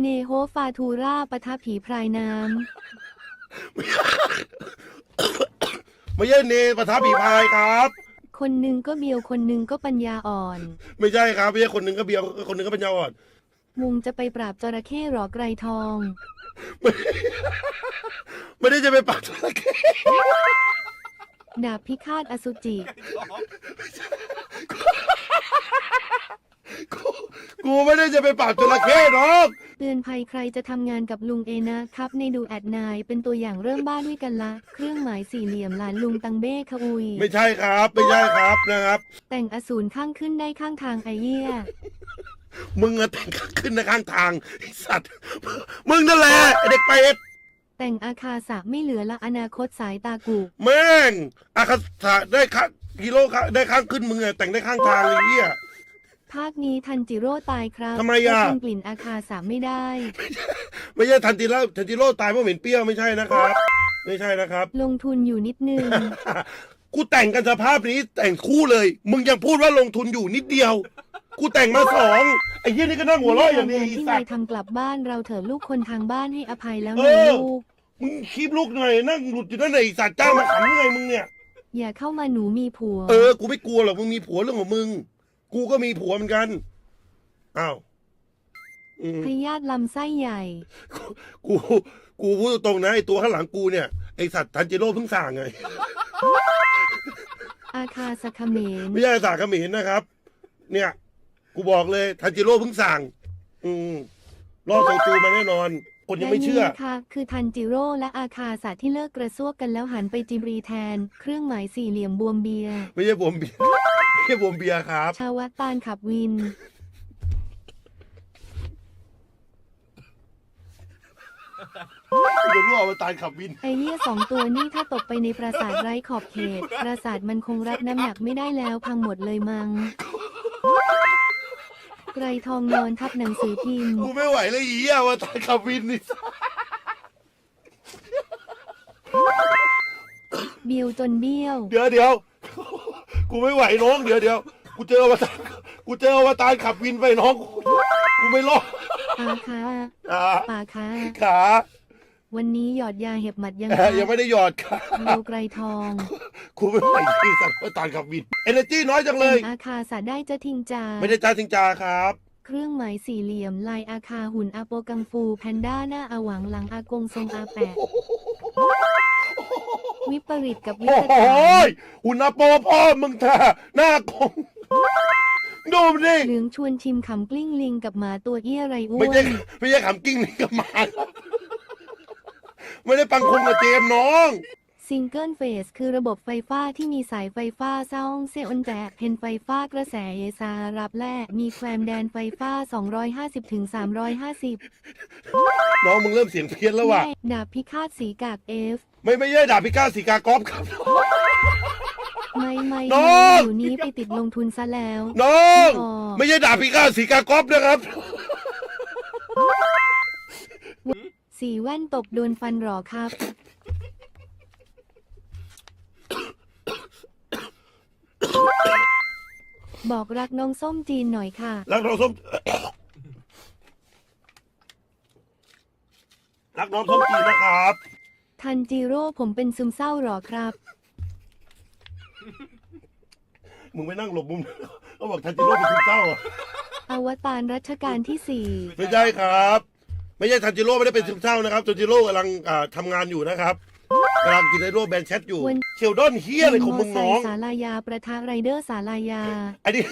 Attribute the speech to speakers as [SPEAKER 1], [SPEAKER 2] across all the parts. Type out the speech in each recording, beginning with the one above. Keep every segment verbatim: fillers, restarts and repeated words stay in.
[SPEAKER 1] เนโฮฟาทูราปะทะผีพรายน้
[SPEAKER 2] ไม่ใช่เนปะทะผีพายครับ
[SPEAKER 1] ำคนหนึ่งก็เบียวคนหนึ่งก็ปัญญาอ่อน
[SPEAKER 2] ไม่ใช่ครับไม่ใช่คนหนึ่งก็เบียวคนหนึ่งก็ปัญญาอ่อน
[SPEAKER 1] มุงจะไปปราบจระเข้หรอไกรทอง
[SPEAKER 2] ไม่ไม่ได้จะไปปราบจระเข้
[SPEAKER 1] ดาบพิฆาตอสุจิ
[SPEAKER 2] กูกูไม่ได้จะไปปราบจระเข้หรอก
[SPEAKER 1] เตือนภัยใครจะทำงานกับลุงเอนะครับในดูแอดนายเป็นตัวอย่างเริ่มบ้านด้วยกันละเครื่องหมายสี่เหลี่ยมหลานลุงตังเบ้ขอุย
[SPEAKER 2] ไม่ใช่ครับไม่ใช่ครับนะครับ
[SPEAKER 1] แต่งอสูรข้างขึ้นได้ข้างทางไอเยี่ย
[SPEAKER 2] มึงอะแต่งขึ้นในข้างทางไอสัตว์มึงนั่นแหละไอเด็กเป็ด
[SPEAKER 1] แต่งอาคาสะไม่เหลือละอนาคตสายตากู
[SPEAKER 2] แม่งอาคาสะได้ข้างกิโลได้ข้างขึ้นมึงอะแต่งได้ข้างทางเลยเหี้ย
[SPEAKER 1] ภาคนี้ทันจิโร่ตายครับ
[SPEAKER 2] ทำไมอ่ะ
[SPEAKER 1] กลิ่นอาคาสะไม่ได้
[SPEAKER 2] ไม่ใช่ทันจิโร่ทันจิโร่ตายเพราะเหม็นเปรี้ยวไม่ใช่นะครับไม่ใช่นะครับ
[SPEAKER 1] ลงทุนอยู่นิดนึง
[SPEAKER 2] กูแต่งกันสภาพนี้แต่งคู่เลยมึงยังพูดว่าลงทุนอยู่นิดเดียวกูแต่งมาสองไอ้เหี้ยนี่ก็นั่งหัวเราะอย่างนี้
[SPEAKER 1] ที่นายทำกลับบ้านเราเถอะลูกคนทางบ้านให้อภัยแล้ว
[SPEAKER 2] นะ
[SPEAKER 1] ลูก
[SPEAKER 2] มึงคีบลูกหน่อยนั่งหลุดอยู่นั่นไหนสัตว์จ้างมาขำไงมึงเนี่ย
[SPEAKER 1] อย่าเข้ามาหนูมีผัว
[SPEAKER 2] เออกูไม่กลัวหรอกมึงมีผัวเรื่องของมึงกูก็มีผัวเหมือนกันอ้าว
[SPEAKER 1] พยาธิลำไส้ใหญ่
[SPEAKER 2] กูกูพูดตรงนะไอตัวข้างหลังกูเนี่ยไอสัตว์ทันจิโร่เพิ่งสั่งไง
[SPEAKER 1] อาคาสคเมน
[SPEAKER 2] ไม่ใช่สาขมินนะครับเนี่ยกูบอกเลยทันจิโร่เพิ่งสั่งอืมรอโซจูมาแน่นอนคนยังไม่เชื่อ
[SPEAKER 1] ค่ะคือทันจิโร่และอาคาสะที่เลิกกระซวกกันแล้วหันไปจิบรีแทนเครื่องหมายสี่เหลี่ยมบวมเบีย
[SPEAKER 2] ไม่ใช่บวมเบียไม่ใช่บวมเบียครับ
[SPEAKER 1] ชาวตานขับวิน
[SPEAKER 2] เดี๋ยวรู้ว่าตายขับวิน
[SPEAKER 1] ไอเหี้ยสองตัวนี่ถ้าตกไปในปราสาทไร้ขอบเขตปราสาทมันคงรับน้ำหนักไม่ได้แล้วพังหมดเลยมังไกรทองนอนทับหนังสือพิมพ์
[SPEAKER 2] กูไม่ไหวเลยอีอ่ะว่าตายขับวินนี่
[SPEAKER 1] เบี้ยวจนเบี้ยว
[SPEAKER 2] เดี๋ยวเดี๋ยวกูไม่ไหวน้องเดี๋ยวเดี๋ยวกูเจอว่ากูเจอว่าตายขับวินไปน้องกูไม่รอด
[SPEAKER 1] ปาขาปาขา
[SPEAKER 2] ขา
[SPEAKER 1] วันนี้หยอดยาเห็บหมัดยัง
[SPEAKER 2] ยังไม่ได้หยอดค่ะ
[SPEAKER 1] ดูไกรทอง
[SPEAKER 2] กูไม่ไหวที่สัตว์ว่าตายขับวินเอเนอร์จีน้อยจังเลย
[SPEAKER 1] อาคาสะได้จะทิ้งจา
[SPEAKER 2] ไม่ได้จ้าทิ้งจาครับ
[SPEAKER 1] เครื่องหมายสี่เหลี่ยมลายอาคาหุ่นอาโปกังฟูแพนด้าหน้าอาหวังหลังอากงทรงอาแปะวิปริตกับวิปริต
[SPEAKER 2] หุ่นอาโปพ่อมึงท่าหน้ากงดูมันดิ
[SPEAKER 1] เหลืองชวนชิมขำกลิ้งลิงกับหมาตัวเอี้ยไรอ้วน
[SPEAKER 2] ไม่ใช่ไม่ใช่ขำกลิ้งลิงกับหมาไม่ได้ปังคุงกับเจมน้อง
[SPEAKER 1] ซิงเกิลเฟสคือระบบไฟฟ้าที่มีสายไฟฟ้าซ่องเซออนแจกเพนไฟฟ้ากระแสเอซารับแลกมีแควมแดนไฟฟ้าสองร้อยห้าสิบถึงสามร้อยห้าสิบ
[SPEAKER 2] น้องมึงเริ่มเสียงเพี้ยนแล้วว่ะ
[SPEAKER 1] ดาบพิฆาตสีกากเอฟ
[SPEAKER 2] ไม่ไม่ใช่ดาบพิฆาตสีกากอฟครับ
[SPEAKER 1] ไม่ไม่
[SPEAKER 2] น้อง
[SPEAKER 1] อยู่นี้ไปติดลงทุนซะแล้ว
[SPEAKER 2] น้องไม่ใช่ดาบพิฆาตสีกากอฟนะครับ
[SPEAKER 1] สีแว่นตบโดนฟันหรอครับบอกรักน้องส้มจีนหน่อยค่ะ
[SPEAKER 2] รักน้องส้มรักน้องส้มจีนนะครับ
[SPEAKER 1] ทันจิโร่ผมเป็นซึมเศร้าหรอครับ
[SPEAKER 2] มึงไปนั่งหลบมุมเขาบอกทันจิโร่เป็นซึมเศร้าอ่ะ
[SPEAKER 1] อวตารรัชกาลที่สี่
[SPEAKER 2] ไม่ใช่ครับไม่ใช่ทันจิโร่ไม่ได้เป็นซึมเศร้านะครับทันจิโร่กำลังทำงานอยู่นะครับกำลังกินไอโร่แบนแชทอยู่เชลดอนเฮียอะไรของมึงน้อง
[SPEAKER 1] สาลายาประทะไรเดอร์สาลายา
[SPEAKER 2] อันนี้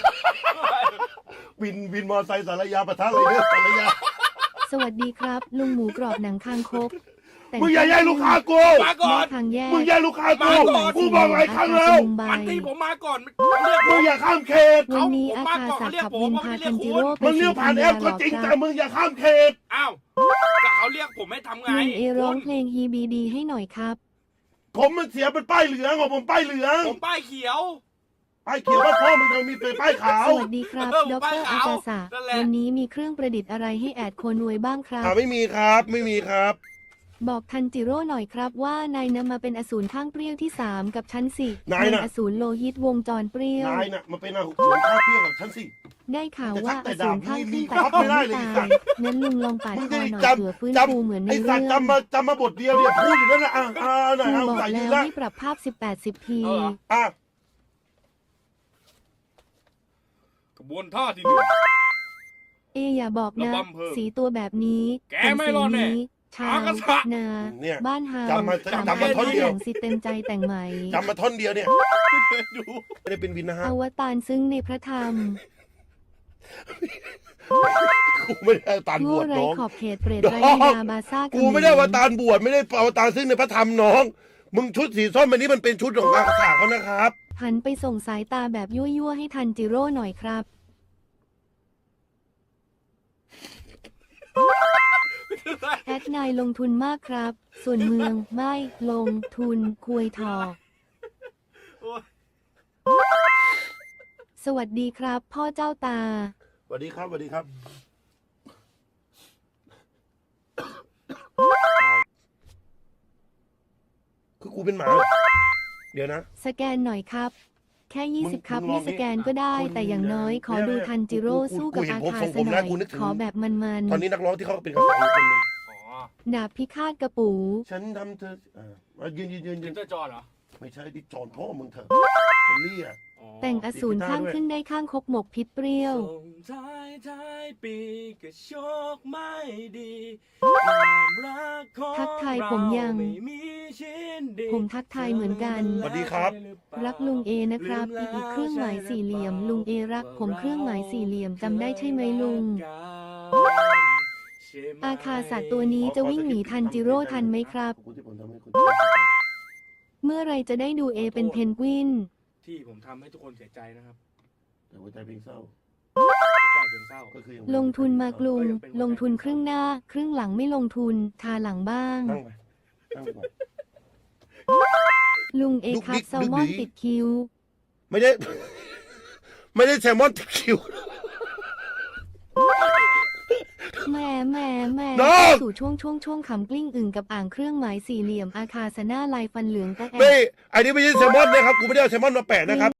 [SPEAKER 2] วินวินมอไซค์สาลายาประทะไรเดอร์สาลายา
[SPEAKER 1] สวัสดีครับลุงหมูกรอบหนังคางคก
[SPEAKER 2] มึงอย่าแย่ลูกค้ากู
[SPEAKER 3] มาก่อน
[SPEAKER 2] มึงแย่ลูกค้ากูกูบอกหลายครั้งแล้ว
[SPEAKER 3] มันที่ผมมาก่อน
[SPEAKER 2] มึงอย่าข้ามเขต
[SPEAKER 1] วันนี้อาคาสักขับวินพาทันจิโร่ไป
[SPEAKER 2] มึงเรียกผ่านแอปก็จริงแต่มึงอย่าข้ามเขต
[SPEAKER 3] อ้าวแต่เขาเรียกผมให้ทำไง
[SPEAKER 1] ลุงเอร้องเพลงฮีบีดีให้หน่อยครับ
[SPEAKER 2] ผมมันเสียเป็นป้ายเหลืองของผมป้ายเหลือง
[SPEAKER 3] ผมป้ายเขียว
[SPEAKER 2] ป้ายเขียวว่าพ่อมึงจะมีเป็นป้ายขาว
[SPEAKER 1] สวัสดีครับดรอาจารย์ศาสตร์วันนี้มีเครื่องประดิษฐ์อะไรให้แอดโคนวยบ้างครับ
[SPEAKER 2] ไม่มีครับไม่มีครับ
[SPEAKER 1] บอกทันจิโร่หน่อยครับว่านายนำมาเป็นอสูรข้างเปรี้ยวที่สามกับชั้นสี่
[SPEAKER 2] นายนะ
[SPEAKER 1] อสูรโลหิตวงจรเปรี้ยว
[SPEAKER 2] นายน่ะมาเป็นอสูรข้างเปรี้ยวกับชั้นสี่
[SPEAKER 1] ได้ข่าวว่าอ
[SPEAKER 2] แต่
[SPEAKER 1] สู
[SPEAKER 2] ดาร บ
[SPEAKER 1] ข้าง
[SPEAKER 2] มี
[SPEAKER 1] ขึ้น
[SPEAKER 2] มี
[SPEAKER 1] แต่
[SPEAKER 2] ครับไม่ได้
[SPEAKER 1] ไม่
[SPEAKER 2] เลย
[SPEAKER 1] ตายงั้นลุงลองปาด
[SPEAKER 2] มึง
[SPEAKER 1] ค
[SPEAKER 2] จะ
[SPEAKER 1] อหน่อย
[SPEAKER 2] จ
[SPEAKER 1] เผื่อฟื้น
[SPEAKER 2] ำจ
[SPEAKER 1] ฟูเหมือนใน
[SPEAKER 2] ำไอ้
[SPEAKER 1] เรื่
[SPEAKER 2] สั
[SPEAKER 1] อ
[SPEAKER 2] ตว์
[SPEAKER 1] ง
[SPEAKER 2] จำมาจำมาบทเดียวเนี่ยพูดอยู่นั่นนะอ่ะอ่าไหน
[SPEAKER 1] ลุง
[SPEAKER 2] เอา
[SPEAKER 1] บอก
[SPEAKER 2] ใส่ยื
[SPEAKER 1] แล้
[SPEAKER 2] น
[SPEAKER 1] ว
[SPEAKER 2] ละ
[SPEAKER 1] ให้ปรับภาพสิบแปดสิบที
[SPEAKER 3] เอาเหรอ
[SPEAKER 2] อ่ะ
[SPEAKER 3] กระบวนท่าที่หนึ่ง
[SPEAKER 1] เออย่าบอกนะ
[SPEAKER 3] ระบำเพิ่ม
[SPEAKER 1] สีตัวแบบนี้
[SPEAKER 3] แกไม่รอดแน่
[SPEAKER 1] ผมสีนี้ชา
[SPEAKER 3] หาว กระทะ
[SPEAKER 1] นา
[SPEAKER 2] เนี่ย
[SPEAKER 1] บ้านเฮา
[SPEAKER 2] จำมา
[SPEAKER 1] สาม
[SPEAKER 2] จำมา
[SPEAKER 1] ารถ
[SPEAKER 2] ท่อนเดียว
[SPEAKER 1] แต่งสิเต็มใจแต่งใหม่
[SPEAKER 2] จำมาท่อนเดียวเนี่ย
[SPEAKER 3] ไม่เคยดู
[SPEAKER 2] ไม่ได้เป็นวินนะฮะ
[SPEAKER 1] อวตารซึ่งในพระธรรม
[SPEAKER 2] กูไม่ได้เอาตารบ
[SPEAKER 1] โง่
[SPEAKER 2] วช
[SPEAKER 1] ไร้
[SPEAKER 2] น้อง
[SPEAKER 1] ขอบเขตเปรต
[SPEAKER 2] น้
[SPEAKER 1] ไร้
[SPEAKER 2] อง
[SPEAKER 1] วิญญาบาซ่า
[SPEAKER 2] กูไม่ได้เอาตารบวชไม่ได้เอาตารซึ่งในพระธรรมน้อง มึงชุดสีส้มอันนี้มันเป็นชุดของอาสาเขานะครับ
[SPEAKER 1] หันไปส่งสายตาแบบยั่วๆให้ทันจิโร่หน่อยครับ แอดนายลงทุนมากครับ ส่วนเมืองไม่ลงทุนคุยทอ
[SPEAKER 3] โอ้ย
[SPEAKER 1] สวัสดีครับ พ่อเจ้าตา
[SPEAKER 2] สวัสดีครับสวัสดีครับ คือกูเป็นหมา เดี๋ยวนะ
[SPEAKER 1] สแกนหน่อยครับ แค่ ยี่สิบ
[SPEAKER 2] มึง
[SPEAKER 1] ครับ
[SPEAKER 2] มึงลอง
[SPEAKER 1] ไม่สแกนก็ได้
[SPEAKER 2] คุณ
[SPEAKER 1] แต่อย่างน้อยขอ
[SPEAKER 2] เนี่ย
[SPEAKER 1] ดู
[SPEAKER 2] เนี่ย
[SPEAKER 1] ทันจิโร่
[SPEAKER 2] กูกู
[SPEAKER 1] สู้กับ
[SPEAKER 2] กูเห็น
[SPEAKER 1] อา
[SPEAKER 2] ผม
[SPEAKER 1] คา
[SPEAKER 2] ทรง
[SPEAKER 1] ส
[SPEAKER 2] ผม
[SPEAKER 1] ห
[SPEAKER 2] แล้
[SPEAKER 1] น่
[SPEAKER 2] ว
[SPEAKER 1] อย
[SPEAKER 2] กูนึกถึง
[SPEAKER 1] ขอแบบมัน
[SPEAKER 2] ตอนนี้นักร้องที่เขาเป็นกระแสอีกคนหนึง
[SPEAKER 3] อ๋อ
[SPEAKER 1] ๆดาบพิฆาตกระปู
[SPEAKER 2] ฉันทำเธออ่ามายืนยืนยืนยื
[SPEAKER 3] จิ
[SPEAKER 2] น
[SPEAKER 3] นเตอร์จอห์นเหรอ
[SPEAKER 2] ไม่ใช่ที่จอนพ่อมึงเถอะคนเลี่ย
[SPEAKER 3] อ๋อ
[SPEAKER 1] แต่งอสูรข้างขึ้นได้ข้างคกหมกพิษเปรี้ยว
[SPEAKER 3] ส่งท้ายท้ายปีก็โชคไม่ดีความรักของ
[SPEAKER 1] ทักทายผมยัง
[SPEAKER 3] เราไม่มีชิ้นดี
[SPEAKER 1] ผมทักทายเหมือนกัน
[SPEAKER 2] สวัสดีครับ
[SPEAKER 1] รักลุงเอนะครับ อีกเครื่องหมายสี่เหลี่ยม ลุงเอรักผมเครื่องหมายสี่เหลี่ยมจำได้ใช่ไหมลุง อาคาสัตว์ตัวนี้จะวิ่งหนีทันจิโร่ทันไหมครับ
[SPEAKER 2] ขอบคุณที่ผมทำให้คุณ
[SPEAKER 1] เมื่อไรจะได้ดูเอเป็นเพนกวิน
[SPEAKER 3] ที่ผมทำให้ทุกคนเสียใจนะครับ
[SPEAKER 2] แต่หัวใจเพลงเศร้า
[SPEAKER 3] เสียใจเพียงเศร้า
[SPEAKER 2] ก็คือยัง
[SPEAKER 1] ลงทุนมากลุง ลงทุนครึ่งหน้า ครึ่งหลังไม่ลงทุน ทาหลังบ้าง
[SPEAKER 2] นั่งไปนั่งไปก่อน
[SPEAKER 1] ลุงเอ
[SPEAKER 2] ดุ๊ก
[SPEAKER 1] ครับ
[SPEAKER 2] ดิ๊ก
[SPEAKER 1] แซลมอน
[SPEAKER 2] ดุ๊กดิ๊ก
[SPEAKER 1] ติดคิ้ว
[SPEAKER 2] ไม่ได้ ไม่ได้แซลมอนติดคิว
[SPEAKER 1] แหม่แหม่แหม่
[SPEAKER 2] น้อง
[SPEAKER 1] สู่ช่วงช่วงช่วงขำกลิ้งอึ่งกับอ่างเครื่องหมายสี่เหลี่ยมอาคาสนาลายฟันเหลืองตะแอ
[SPEAKER 2] ไม่ อันนี้ไม่ใช่แซลมอนนะครับ กูไม่ได้เอาแซลมอนมาแปะนะครับ